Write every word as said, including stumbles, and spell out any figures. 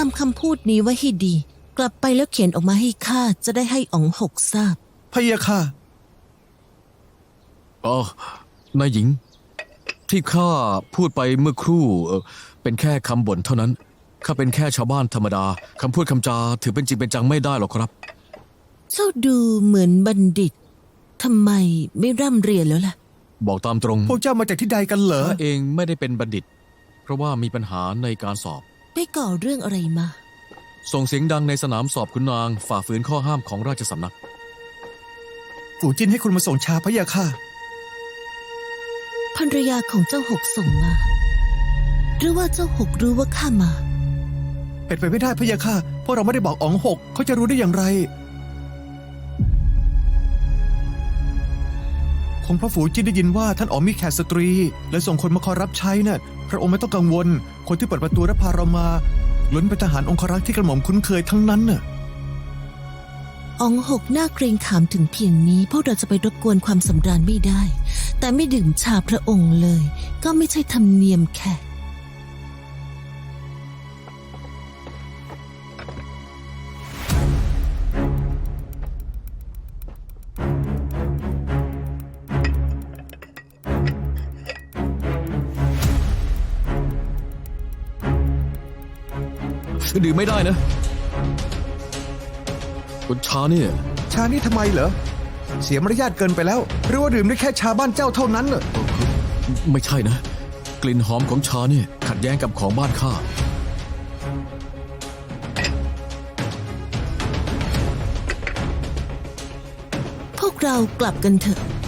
ำคำพูดนี้ไว้ให้ดี กลับไปแล้วเขียนออกมาให้ข้าจะได้ให้อ๋องหกทราบพะยะค่ะอ๋อนายหญิง ที่ข้าพูดไปเมื่อครู่เอ่อเป็นแค่คำบ่นเท่านั้นข้าเป็นแค่ชาวบ้านธรรมดาคำพูดคำจาถือเป็นจริงเป็นจังไม่ได้หรอกครับเจ้าดูเหมือนบัณฑิตทำไมไม่ร่ำเรียนแล้วล่ะบอกตามตรงพวกเจ้ามาจากที่ใดกันเหรอข้าเองไม่ได้เป็นบัณฑิต เพราะว่ามีปัญหาในการสอบได้ก่อเรื่องอะไรมาส่งเสียงดังในสนามสอบขุนนางฝ่าฝืนข้อห้ามของราชสำนักฝูจินให้คุณมาส่งชาพะยะค่ะภรรยาของเจ้าหกส่งมา หรือว่าเจ้าหกรู้ว่าข้ามาเป็นไปไม่ได้พะยะค่ะเพราะเราไม่ได้บอกอ๋องหกเขาจะรู้ได้อย่างไร คงเพราะฝูจินได้ยินว่าท่านอ๋องมีแขกสตรีและส่งคนมาคอยรับใช้น่ะพระองค์ไม่ต้องกังวล คนที่เปิดประตูและพาเรามาล้วนเป็นทหารองครักษ์ที่กระหม่อมคุ้นเคยทั้งนั้นน่ะอ๋องหกน่าเกรงขามถึงเพียงนี้พวกเราจะไปรบกวนความสำราญไม่ได้ แต่ไม่ดื่มชาพระองค์เลย ก็ไม่ใช่ธรรมเนียมแขกดื่มไม่ได้นะคุณชาเนี่ยชานี่ทำไมเหรอ เสียมารยาทเกินไปแล้ว หรือว่าดื่มได้แค่ชาบ้านเจ้าเท่านั้นเหรอไม่ใช่นะ กลิ่นหอมของชาเนี่ยขัดแย้งกับของบ้านข้าพวกเรากลับกันเถอะ